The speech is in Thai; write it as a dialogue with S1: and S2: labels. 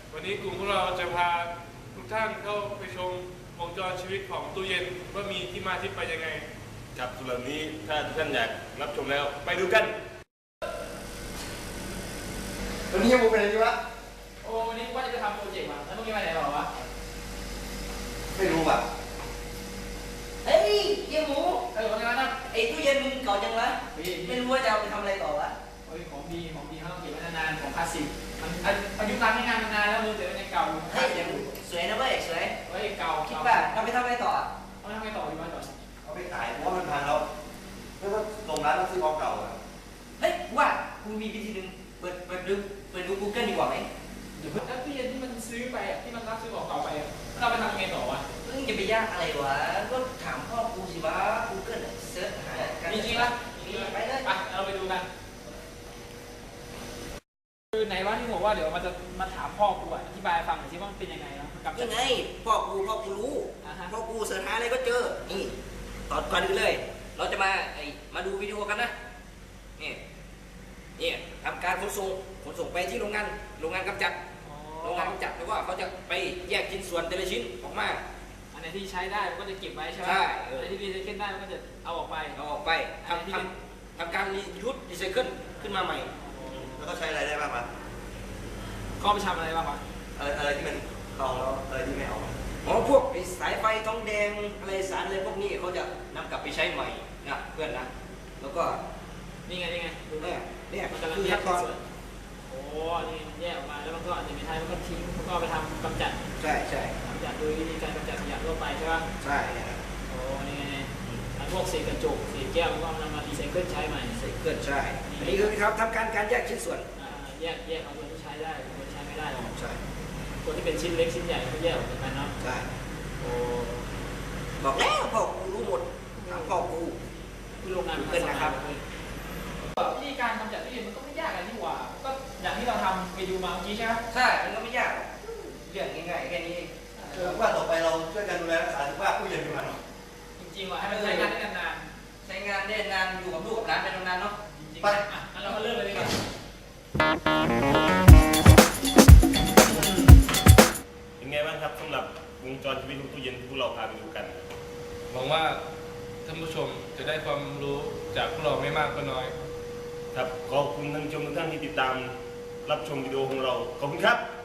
S1: วันนี้กลุ่มของเราจะพาทุกท่านเข้าไปชมวงจรชีวิตของตู้เย็นว่ามีที่มาที่ไปยังไง
S2: ครับส่วนนี้ถ้าทุกท่านอยากรับชมแล้วไปดูกัน
S3: วันนี้ยังมูเป็นอะไรดีวะ
S4: โอ้วันนี้ว่าจะไปทำโปรเจกต์ว่ะแล้วพรุ่งนี้ไปไหนหรอวะ
S3: ไม่รู้ว่ะ
S5: เฮ้ยเยี่ยหมู
S4: วันนี้นะ
S5: ไอ้ตู้เย็นมึงเก่าจังวะไม่รู้ว่าจะเอาไปทำอะไรต่อวะ
S4: เฮ้ยของดีเขาต้องเก็บไว้นานๆของคลาสสิกมันอายุการใช้งานมันนานแล้วมือเดี๋ยวมันยังเก่าอยู่
S5: เฮ้ยสวยนะเว้ยสวย
S4: เฮ้ยเก่า
S5: คิดว่าเอาไปทำอะไรต่อ
S4: เอาไปทำอะไรต่อดีวะต่อ
S3: เอาไปขายเพราะว่ามันพังแล้วแล้วก็ลงร้านแล้วซื้อของเก่าอ่ะ
S5: เฮ้ยว่ากูมีวิธีหนึ่งเปิดดู Google ดีกว่าไหม
S4: เดี๋ยวแล้วตู้เย็นที่มันซื้อไปที่มันรับซื้อของเก่าไปเราไปทำยังไงต่อวะ
S5: มึงจะไปยากอะไรวะก็ถามพ่อกูสิวะ Google เซิร์ชหา
S4: จริงๆละ
S5: ไปเลย
S4: ไปเราไปดูกันคือไหนว่าที่บอกว่าเดี๋ยวมันจะมาถามพ่อกูอธิบายฟังหน่อยสิว่ามันเป็นยังไงนะ
S5: ยังไงพ่อกูรู้พ่อกูเสิร์ชหาอะไรก็เจอนี่ตอนก่อนอื่นเลยเราจะมาดูวิดีโอกันนะนี่ทำการขนส่งไปที่โรงงานกำจัดแล้วก็เขาจะไปแยกชิ้นส่วนแต่ละชิ้นออกมา
S4: อันไหนที่ใช้ได้มันก็จะเก็บไว้ใช่ไหมอันไหนที่รีไซเคิลได้มันก็จะเอาออกไป
S5: ทำการรีไซเคิลขึ้นมาใหม่
S3: แล้วก็ใช้อะไรได้บ้างวะ
S4: เข้าไปทำอะไรบ้างวะ
S3: อะไรที่มันลองแล้วอะไรที่ไม่เอา
S5: พวกสายไฟทองแดงอะไรสารอะไรพวกนี้เขาจะนำกลับไปใช้ใหม่นะเพื่อนนะแล้วก็
S4: นี่ไงดู
S5: เนี่ย
S4: มันกำลังแยกส่วนโอ้นี่แยกออกมาแล้วมันก็อาจจะไม่ใช่มันก็ทิ้งมันก็ไปทำกำจัด
S5: ใช่
S4: กำจัดโดยวิธีการกำจัดขยะทั่วไปใช่ป่ะ
S5: ใช่
S4: โอ้นี่ไงพวกเศษกระจกเศษแก้วมันก็นำมารีไซเคิลใช้ใหม่
S5: รีไซเคิลใช่อันนี้คือครับทำการแยกชิ้นส่วน
S4: แยกเอาส่วนที่ใช้ได้ส่วนที่ใช้ไม่ได้หรอก
S5: ใช่
S4: ส่วนที่เป็นชิ้นเล็กชิ้นใหญ่ก็แยกออกจากกันเนาะ
S5: ใช่
S4: โอ้
S5: บอกแล้วพ่อกูรู้หมดพ่อกู
S4: คือโรงงาน
S5: เกินนะครับ
S4: วิธีการกำจัดตู้เย็นมันก็ไม่ยากอะไรนี่หว่าก็อย่างที่เราทำไปดูมาเมื่อกี้ใช่ไหม
S5: ใช่มันก็ไม่ยากเรื่องง่ายๆแค่นี้
S3: ว่าต่อไปเราช่วยกันดูแลรักษาสุขภาพผู้เย็นดีกว่า
S4: จริงๆว่าให้มันใช้งานได้นาน
S5: ๆใช้งานได้นานอยู่กับลูกกับหลานไปนานๆเนาะ
S4: ไปงั้นเราก็เริ่มเลยดีกว่า
S2: เป็นไงบ้างครับสำหรับวงจรชีวิตของตู้เย็นที่พวกเราพาไปดูกัน
S1: หวังว่าท่านผู้ชมจะได้ความรู้จากพวกเราไม่มากก็น้อย
S2: ครับขอบคุณท่านผู้ชมทุกท่านที่ติดตามรับชมวิดีโอของเราขอบคุณครับ